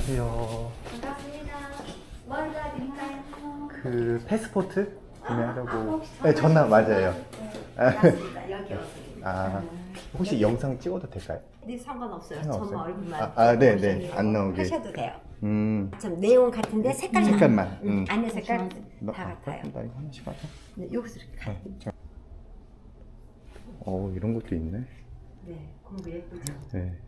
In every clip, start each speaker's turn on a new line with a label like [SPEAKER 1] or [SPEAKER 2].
[SPEAKER 1] 안녕하세요.
[SPEAKER 2] 반갑습니다. 뭘 도와드릴까요?
[SPEAKER 1] 그 패스포트 구매하려고. 네, 전화 맞아요.
[SPEAKER 2] 맞습니다. 여기 오세요.
[SPEAKER 1] 아, 혹시 영상 찍어도 될까요?
[SPEAKER 2] 네, 상관없어요.
[SPEAKER 1] 상관없어요?
[SPEAKER 2] 전 얼굴만
[SPEAKER 1] 네,
[SPEAKER 2] 보시면
[SPEAKER 1] 네. 안 나오게.
[SPEAKER 2] 하셔도 돼요. 참 내용 같은데
[SPEAKER 1] 색깔만.
[SPEAKER 2] 안에 색깔
[SPEAKER 1] 너,
[SPEAKER 2] 다 같아요.
[SPEAKER 1] 나 이거 하나씩 하자.
[SPEAKER 2] 네, 여기서 이렇게 가.
[SPEAKER 1] 이런 것도 있네.
[SPEAKER 2] 네, 공부 예쁘죠.
[SPEAKER 1] 네.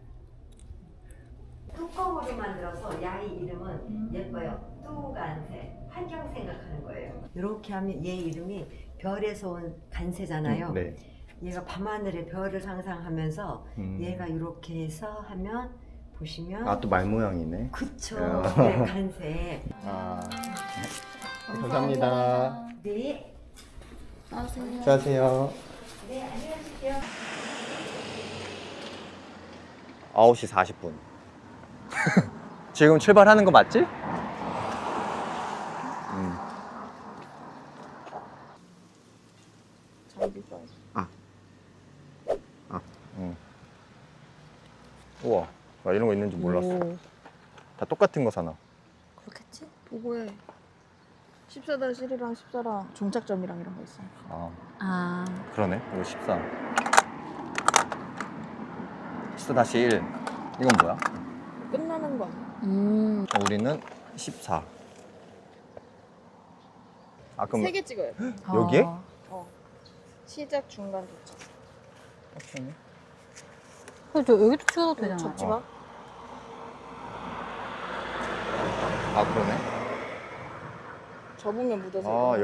[SPEAKER 2] 뚜껑으로 만들어서 야이 이름은 예뻐요. 뚜간새. 환경 생각하는 거예요. 이렇게 하면 얘 이름이 별에서 온 간새잖아요.
[SPEAKER 1] 네.
[SPEAKER 2] 얘가 밤하늘의 별을 상상하면서 얘가 이렇게 해서 하면 보시면
[SPEAKER 1] 또 말 모양이네.
[SPEAKER 2] 그쵸.
[SPEAKER 1] 어.
[SPEAKER 2] 네, 간새.
[SPEAKER 1] 감사합니다.
[SPEAKER 2] 네.
[SPEAKER 1] 안녕하세요.
[SPEAKER 2] 네, 안녕하세요.
[SPEAKER 1] 9시 40분. 지금 출발하는 거 맞지? 우와, 나 이런 거 있는 줄 몰랐어.
[SPEAKER 3] 오,
[SPEAKER 1] 다 똑같은 거 사나?
[SPEAKER 3] 그렇겠지? 보고해. 14-1이랑 14랑 종착점이랑 이런 거 있어.
[SPEAKER 1] 아, 그러네. 이거 14. 14-1. 이건 뭐야?
[SPEAKER 3] 끝나는 거 아니야?
[SPEAKER 1] 우리는 14. 그럼
[SPEAKER 3] 3개 찍어야 돼.
[SPEAKER 1] 여기에?
[SPEAKER 3] 시작, 중간, 도착.
[SPEAKER 4] 여기도 찍어도 되잖아.
[SPEAKER 3] 접지 마.
[SPEAKER 1] 그러네.
[SPEAKER 3] 접으면 묻어서.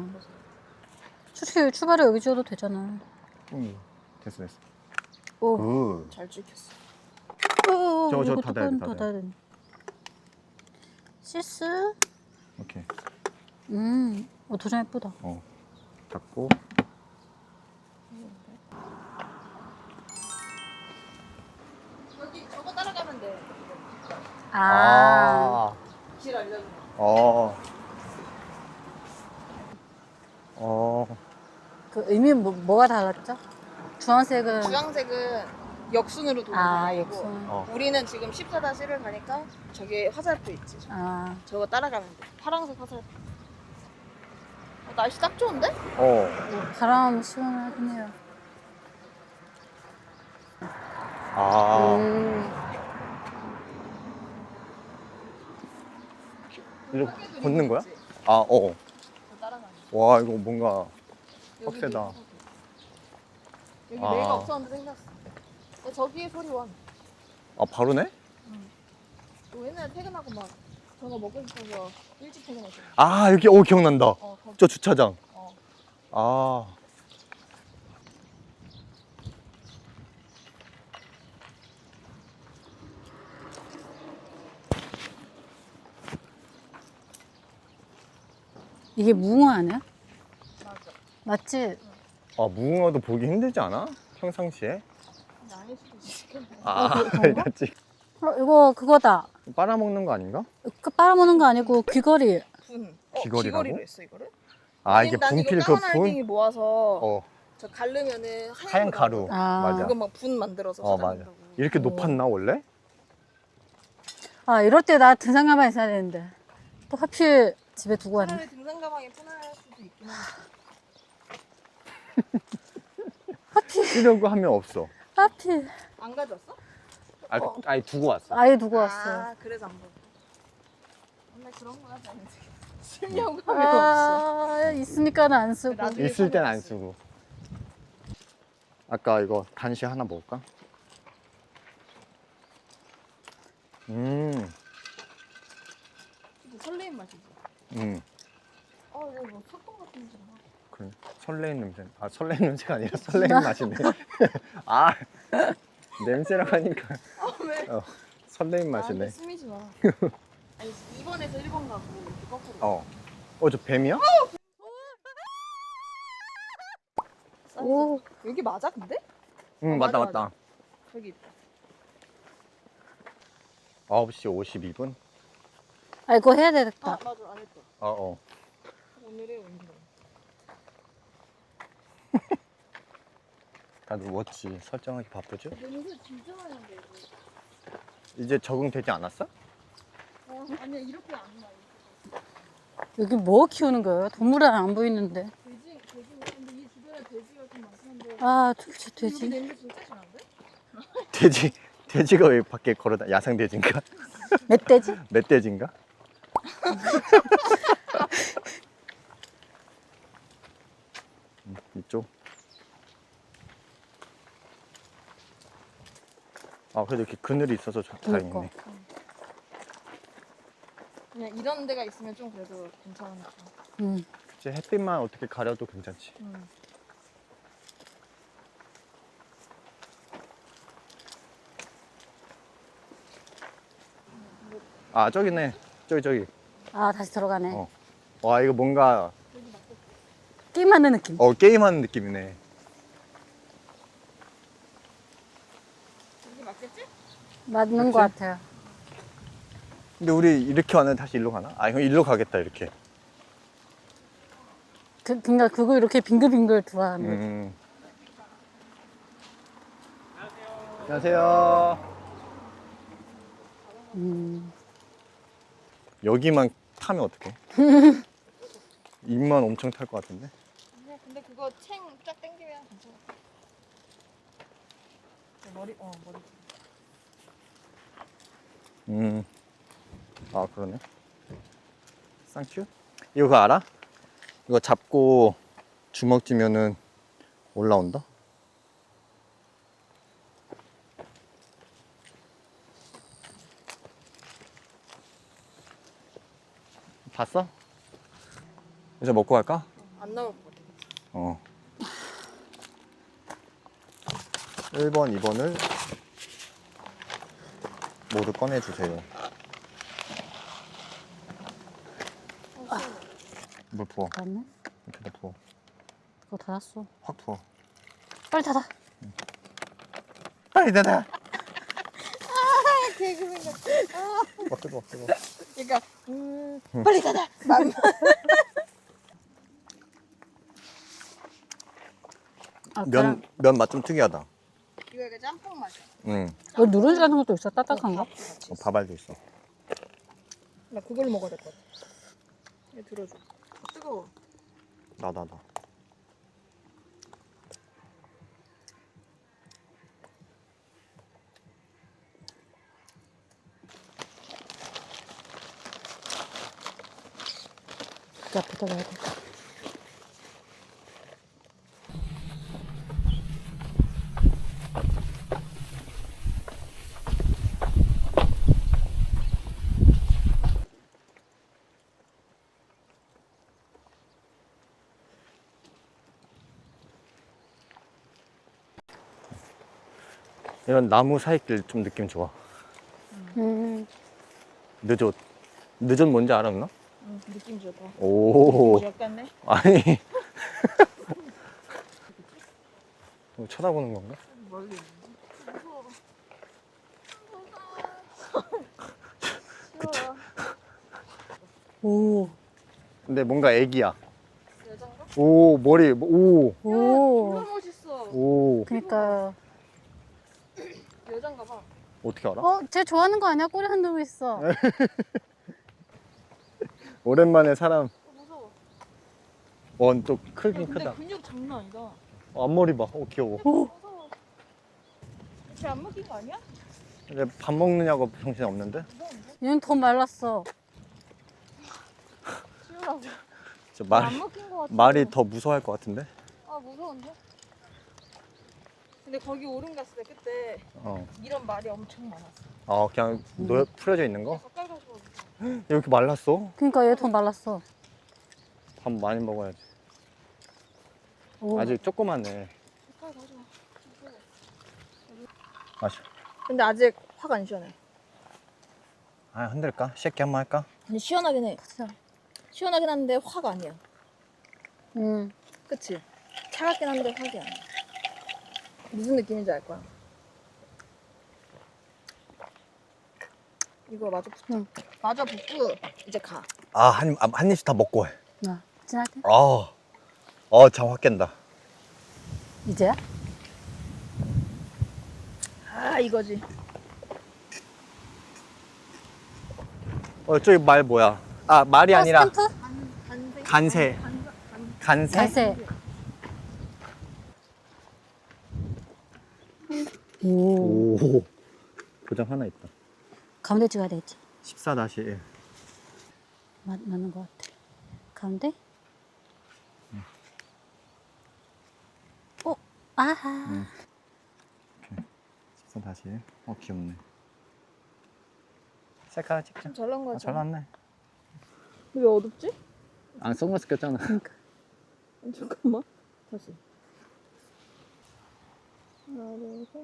[SPEAKER 1] 역시.
[SPEAKER 4] 출발을 여기 찍어도 되잖아.
[SPEAKER 1] 됐어.
[SPEAKER 4] 오.
[SPEAKER 1] 굿.
[SPEAKER 3] 잘 찍혔어.
[SPEAKER 1] 저거
[SPEAKER 4] 이거
[SPEAKER 1] 닫아야 돼,
[SPEAKER 4] 뚜껑
[SPEAKER 1] 닫아야
[SPEAKER 4] 닫아야 돼. 시스?
[SPEAKER 1] 오케이.
[SPEAKER 4] 도장 예쁘다.
[SPEAKER 1] 닫고.
[SPEAKER 3] 여기 저거 따라가면 돼. 길 알려줘.
[SPEAKER 4] 그 의미는 뭐가 달랐죠? 주황색은
[SPEAKER 3] 주황색은 역순으로 도는 방향이고
[SPEAKER 4] 역순.
[SPEAKER 3] 우리는 지금 14-1을 가니까 저기 화살표 있지. 저거 따라가면 돼. 파란색 화살표. 날씨 딱 좋은데?
[SPEAKER 4] 바람 시원하긴 해요.
[SPEAKER 1] 이렇게 걷는 거야?
[SPEAKER 3] 있지?
[SPEAKER 1] 어.
[SPEAKER 3] 따라가는 거.
[SPEAKER 1] 와, 이거 뭔가
[SPEAKER 3] 여기
[SPEAKER 1] 빡세다.
[SPEAKER 3] 여기 내가 없었는데 생겼어. 근데 저기에 소리 와.
[SPEAKER 1] 바로네?
[SPEAKER 3] 너 옛날에 퇴근하고 막 저거 먹고 싶어서 일찍 퇴근했어.
[SPEAKER 1] 여기, 기억난다.
[SPEAKER 3] 거기.
[SPEAKER 1] 저 주차장.
[SPEAKER 3] 어.
[SPEAKER 4] 이게 무궁화 아니야?
[SPEAKER 3] 맞아.
[SPEAKER 4] 맞지?
[SPEAKER 1] 무궁화도 보기 힘들지 않아? 평상시에?
[SPEAKER 3] 근데 아닐 수도 있지.
[SPEAKER 4] 그런가?
[SPEAKER 1] 맞지?
[SPEAKER 4] 이거 그거다.
[SPEAKER 1] 빨아먹는 거 아닌가?
[SPEAKER 4] 빨아먹는 거 아니고 귀걸이.
[SPEAKER 3] 분.
[SPEAKER 1] 귀걸이라고?
[SPEAKER 3] 귀걸이로 했어 이거를?
[SPEAKER 1] 이게
[SPEAKER 3] 난
[SPEAKER 1] 분필
[SPEAKER 3] 이거
[SPEAKER 1] 그
[SPEAKER 3] 까만
[SPEAKER 1] 분?
[SPEAKER 3] 알갱이 모아서 저 갈르면은
[SPEAKER 1] 하얀 가루. 맞아.
[SPEAKER 3] 그거 막 분 만들어서
[SPEAKER 1] 맞아.
[SPEAKER 3] 찾아낸다고.
[SPEAKER 1] 이렇게 높았나, 원래?
[SPEAKER 4] 이럴 때 나 등산 가방에 있어야 되는데. 또 하필 집에 두고 왔네.
[SPEAKER 3] 차라리 등산 가방에 편할 수도 있긴 한데.
[SPEAKER 1] 쓰려고 하면 없어.
[SPEAKER 4] 하필.
[SPEAKER 3] 안 가져왔어?
[SPEAKER 1] 아니, 두고 왔어.
[SPEAKER 4] 아예 두고 왔어.
[SPEAKER 3] 그래서 안 보여. 맨날 그런 거 하지 않지. 쓰려고 하면 없어.
[SPEAKER 4] 있으니까는 안 쓰고.
[SPEAKER 3] 나중에
[SPEAKER 1] 있을 땐
[SPEAKER 3] 사면
[SPEAKER 1] 안
[SPEAKER 3] 없어.
[SPEAKER 1] 쓰고. 아까 이거 단시 하나 먹을까?
[SPEAKER 3] 이거 설레임 맛이지. 이거 뭐 사건 같은 냄새 나.
[SPEAKER 1] 그래. 설레는 냄새. 설레는 냄새가 아니라 설레는 맛이네. 냄새라고 하니까.
[SPEAKER 3] 왜?
[SPEAKER 1] 설레는 맛이네.
[SPEAKER 3] 스미지 마. 아니 2번에서 1번 가고 이렇게 거꾸로.
[SPEAKER 1] 저 뱀이야?
[SPEAKER 4] 오.
[SPEAKER 3] 여기 맞아 근데?
[SPEAKER 1] 맞다.
[SPEAKER 3] 저기 있다.
[SPEAKER 1] 9시 52분?
[SPEAKER 4] 이거 해야 되겠다.
[SPEAKER 3] 맞아 안 했다. 오늘의 운동.
[SPEAKER 1] 다들 워치 설정하기 바쁘죠?
[SPEAKER 3] 냄새 진짜 많이 난데 이거.
[SPEAKER 1] 이제 적응되지 않았어?
[SPEAKER 3] 아니 이렇게 안 나.
[SPEAKER 4] 여기 뭐 키우는 거예요? 동물은 안 보이는데.
[SPEAKER 3] 돼지 근데 이 주변에 돼지가 좀 많긴 한데.
[SPEAKER 4] 아,
[SPEAKER 3] 여기
[SPEAKER 4] 돼지.
[SPEAKER 3] 냄새 진짜 심한데?
[SPEAKER 1] 돼지가 왜 밖에 걸어다? 야생 돼지인가?
[SPEAKER 4] 멧돼지?
[SPEAKER 1] 멧돼지인가? 이쪽. 아 그래도 이렇게 그늘이 있어서 다행이네.
[SPEAKER 4] 그러니까.
[SPEAKER 3] 그냥 이런 데가 있으면 좀 그래도 괜찮으니까.
[SPEAKER 1] 이제 햇빛만 어떻게 가려도 괜찮지. 아 저기네. 저기.
[SPEAKER 4] 아, 다시 들어가네.
[SPEAKER 1] 어. 와 이거 뭔가
[SPEAKER 4] 게임하는 느낌.
[SPEAKER 1] 게임하는 느낌이네.
[SPEAKER 3] 여기 맞겠지?
[SPEAKER 4] 맞는 것 같아요.
[SPEAKER 1] 근데 우리 이렇게 왔는데 다시 일로 가나? 아, 형 일로 가겠다 이렇게.
[SPEAKER 4] 그러니까 그거 이렇게 빙글빙글 돌아가는 거지.
[SPEAKER 1] 안녕하세요. 여기만 타면 어떡해? 입만 엄청 탈 것 같은데?
[SPEAKER 3] 근데 그거 챙 쫙 당기면 괜찮아. 머리.
[SPEAKER 1] 아 그러네. 쌍큐? 이거 그거 알아? 이거 잡고 주먹 쥐면은 올라온다? 봤어? 이제 먹고 갈까?
[SPEAKER 3] 안 나올 것 같아.
[SPEAKER 1] 어. 1번, 2번을 모두 꺼내주세요. 물 부어.
[SPEAKER 4] 맞네?
[SPEAKER 1] 이렇게 다 부어.
[SPEAKER 4] 그거 닫았어.
[SPEAKER 1] 확 부어.
[SPEAKER 4] 빨리 닫아.
[SPEAKER 1] 빨리 닫아!
[SPEAKER 3] 개그맨 같아.
[SPEAKER 1] 막 뜨거워, 뜨거워.
[SPEAKER 3] 그러니까 빨리 닫아.
[SPEAKER 4] 아,
[SPEAKER 1] 면 맛 좀 특이하다.
[SPEAKER 3] 이거 약간 짬뽕 맛이야.
[SPEAKER 1] 응.
[SPEAKER 4] 뭐 누룽지 같은 것도 있어? 딱딱한 거?
[SPEAKER 1] 밥알도 있어.
[SPEAKER 3] 나 그걸 먹어야 될 것 같아. 얘 들어줘. 뜨거워.
[SPEAKER 1] 나.
[SPEAKER 4] 그 앞에다 놔야 돼.
[SPEAKER 1] 이런 나무 사이길 좀 느낌 좋아. 늦옷. 늦옷 뭔지 알아, 누나?
[SPEAKER 3] 느낌 좋다.
[SPEAKER 1] 오.
[SPEAKER 3] 약간네.
[SPEAKER 1] 아니. 쳐다보는 건가?
[SPEAKER 3] 멀리.
[SPEAKER 1] 그치.
[SPEAKER 4] 오.
[SPEAKER 1] 근데 뭔가 애기야.
[SPEAKER 3] 여잔가?
[SPEAKER 1] 오, 머리, 오.
[SPEAKER 4] 오.
[SPEAKER 3] 정말 멋있어.
[SPEAKER 1] 오.
[SPEAKER 4] 그니까.
[SPEAKER 3] 여잔가 봐.
[SPEAKER 1] 어떻게 알아?
[SPEAKER 4] 쟤 좋아하는 거 아니야? 꼬리 흔들고 있어.
[SPEAKER 1] 오랜만에 사람.
[SPEAKER 3] 무서워.
[SPEAKER 1] 또 크긴
[SPEAKER 3] 근데
[SPEAKER 1] 크다.
[SPEAKER 3] 근육 장난 아니다.
[SPEAKER 1] 앞머리 봐. 귀여워.
[SPEAKER 3] 무서워. 쟤안 먹힌 거 아니야?
[SPEAKER 1] 근데 밥 먹느냐고 정신 없는데?
[SPEAKER 4] 얘는 더 말랐어.
[SPEAKER 3] 치우라고.
[SPEAKER 1] 저
[SPEAKER 3] 안 먹힌 거 같아.
[SPEAKER 1] 말이 더 무서워할 것 같은데?
[SPEAKER 3] 아 무서운데? 근데 거기 오름 갔을 때 그때
[SPEAKER 1] 어.
[SPEAKER 3] 이런 말이 엄청 많았어.
[SPEAKER 1] 그냥 풀어져 있는 거?
[SPEAKER 3] 가까이 가서
[SPEAKER 1] 이렇게 말랐어?
[SPEAKER 4] 그니까 얘 더 말랐어.
[SPEAKER 1] 밥 많이 먹어야지.
[SPEAKER 4] 오.
[SPEAKER 1] 아직 조그맣네.
[SPEAKER 3] 가까이 가자.
[SPEAKER 1] 마셔.
[SPEAKER 3] 근데 아직 확 안 시원해.
[SPEAKER 1] 흔들까? 쉐키 한번 할까?
[SPEAKER 3] 아니 시원하긴 해. 시원하긴 한데 확 아니야. 그치? 차갑긴 한데 확이 아니야. 무슨 느낌인지 알 거야. 이거 마저 붙어.
[SPEAKER 4] 응.
[SPEAKER 3] 마저 붙고 이제 가.
[SPEAKER 1] 한 입씩 다 먹고 해.
[SPEAKER 4] 나 진할게.
[SPEAKER 1] 장 확 깬다.
[SPEAKER 4] 이제야?
[SPEAKER 3] 아 이거지.
[SPEAKER 1] 저기 말 뭐야? 아, 말이 아니라
[SPEAKER 4] 스탬프?
[SPEAKER 1] 간세. 간세?
[SPEAKER 4] 자세. 오.
[SPEAKER 1] 오. 도장 하나 있다.
[SPEAKER 4] 가운데 찍어야 되겠지.
[SPEAKER 1] 14-1.
[SPEAKER 4] 맞는 것 같아. 가운데? 아하.
[SPEAKER 1] 14-1. 귀엽네. 셀카 찍자.
[SPEAKER 3] 잘 나온
[SPEAKER 1] 아,
[SPEAKER 3] 거지.
[SPEAKER 1] 잘 나왔네.
[SPEAKER 3] 왜 어둡지?
[SPEAKER 1] 아, 선글라스 꼈잖아.
[SPEAKER 3] 잠깐만. 다시. 하나, 둘, 셋.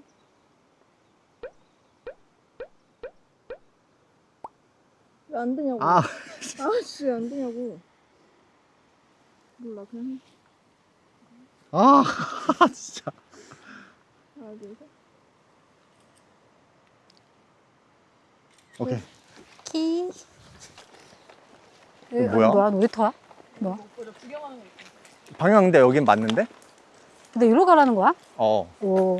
[SPEAKER 3] 왜 안 되냐고.
[SPEAKER 1] 아,
[SPEAKER 3] 아씨, 왜 안 되냐고. 몰라, 그냥 해.
[SPEAKER 1] 아, 진짜.
[SPEAKER 3] 하나, 둘, 셋.
[SPEAKER 1] 오케이.
[SPEAKER 4] 키.
[SPEAKER 1] 이거 뭐야?
[SPEAKER 4] 뭐야? 놀이터야? 뭐야?
[SPEAKER 3] 구경하는 거 있어.
[SPEAKER 1] 방향 근데 여긴 맞는데?
[SPEAKER 4] 근데 이리로 가라는 거야?
[SPEAKER 1] 어.
[SPEAKER 4] 오.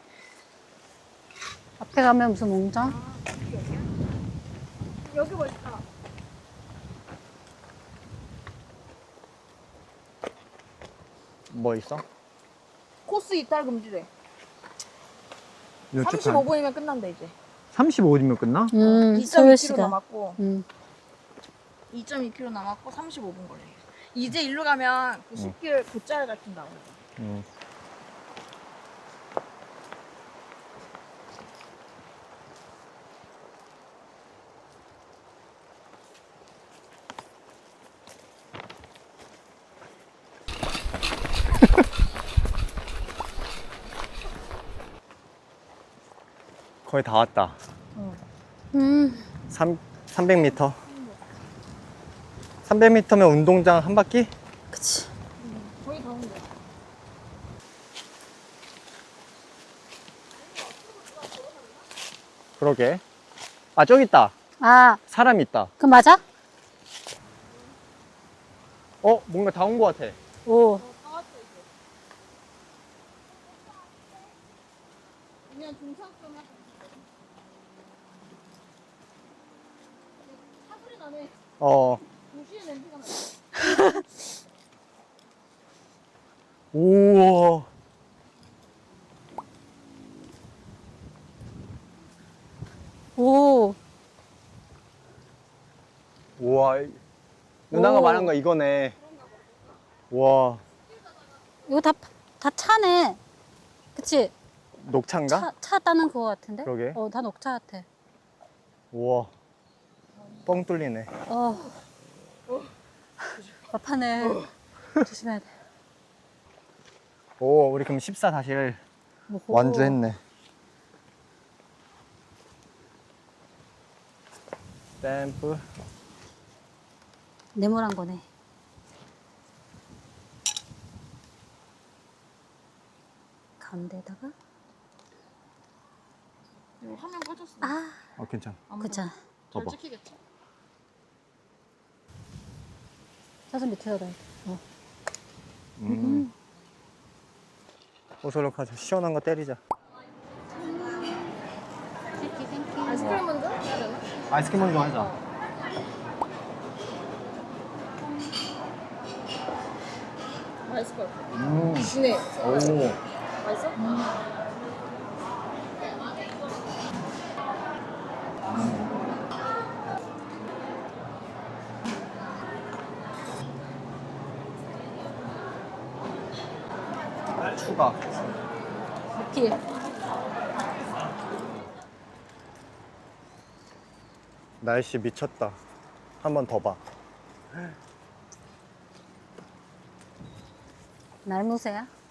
[SPEAKER 4] 앞에 가면 무슨 농장?
[SPEAKER 3] 여기 뭐 있다.
[SPEAKER 1] 뭐 있어?
[SPEAKER 3] 코스 이탈 금지래.
[SPEAKER 1] 이쪽
[SPEAKER 3] 35분이면 끝난다, 이제.
[SPEAKER 1] 35분이면 끝나?
[SPEAKER 4] 소요
[SPEAKER 3] 2.2km
[SPEAKER 4] 시간.
[SPEAKER 3] 남았고,
[SPEAKER 4] 음.
[SPEAKER 3] 2.2km 남았고, 35분 걸려. 이제 일로 가면 그 10km 곧잘 같은 나오고.
[SPEAKER 1] 거의 다 왔다. 300m. 300m면 운동장 한 바퀴?
[SPEAKER 4] 그치.
[SPEAKER 3] 거의 다 온대.
[SPEAKER 1] 그러게. 아, 저기 있다.
[SPEAKER 4] 아,
[SPEAKER 1] 사람 있다.
[SPEAKER 4] 그 맞아?
[SPEAKER 1] 뭔가 다 온 것 같아.
[SPEAKER 4] 오.
[SPEAKER 3] 그냥 중상 좀 하자. 사소리 나네. 도시의 냄새가 나.
[SPEAKER 1] 우와.
[SPEAKER 4] 오.
[SPEAKER 1] 우와. 누나가
[SPEAKER 4] 오.
[SPEAKER 1] 말한 거 이거네. 와.
[SPEAKER 4] 이거 다 차네. 그치?
[SPEAKER 1] 녹차인가?
[SPEAKER 4] 차 따는 그거 같은데?
[SPEAKER 1] 그러게.
[SPEAKER 4] 다 녹차 같아.
[SPEAKER 1] 우와. 뻥 뚫리네.
[SPEAKER 4] 막판에 조심해야 돼.
[SPEAKER 1] 오, 우리 그럼 14-1
[SPEAKER 4] 오호.
[SPEAKER 1] 완주했네. 댐프.
[SPEAKER 4] 네모난 거네. 가운데다가.
[SPEAKER 3] 이거 화면 꺼졌어.
[SPEAKER 4] 아,
[SPEAKER 1] 괜찮아.
[SPEAKER 4] 그쵸.
[SPEAKER 1] 봐봐.
[SPEAKER 3] 잘 찍히겠지?
[SPEAKER 4] 사선 밑에다 놔야 돼.
[SPEAKER 1] 오솔록하자. 시원한 거 때리자.
[SPEAKER 3] 아이스크림 먼저 해야 되나?
[SPEAKER 1] 아이스크림 먼저 하자.
[SPEAKER 3] 맛있을 것 같아. 진해.
[SPEAKER 1] 오.
[SPEAKER 3] 맛있어?
[SPEAKER 1] 추가.
[SPEAKER 4] 길.
[SPEAKER 1] 날씨 미쳤다. 한 번 더 봐.
[SPEAKER 4] 날무새야?